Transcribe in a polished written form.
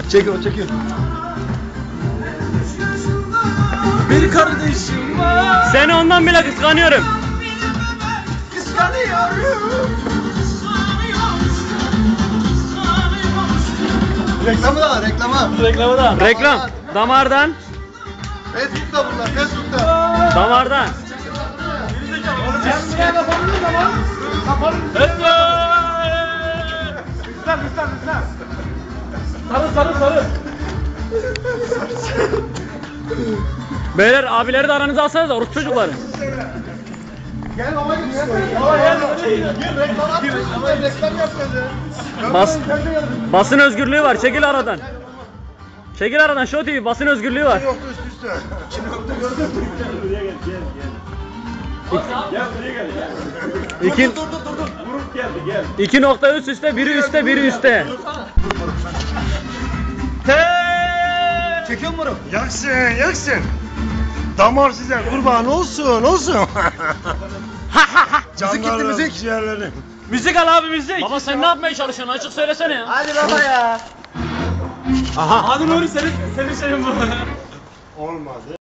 Çekiyor çekiyor. Bir kardeşim var. Seni ondan bile kıskanıyorum. Kıskanıyorum. Reklamı da var reklama. Reklamı da. Reklam. Damardan. Facebook'ta bunlar Facebook'ta. Damardan. Sarı. Beyler abileri de aranıza alsanız da Rus çocukları. Gel baba gel. Baba gel. Reklam yapmadı. Basın özgürlüğü var. Çekil aradan. Çekil aradan. Show TV basın özgürlüğü var. Yoktu üst üste. Şimdi yoktu gördün mü? İki... Dur. Grup geldi gel. 2 nokta üste, biri üste, biri üste. Çekiyor mu bunu? Yaksın. Damar size kurban olsun. Müzik gitti müzik. Ciğerlerim. Müzik al abi müzik. Baba sen ne yapmaya çalışıyorsun? Açık söylesene ya. Hadi baba ya. Aha. Hadi Nuri senin şeyin bu. Olmadı.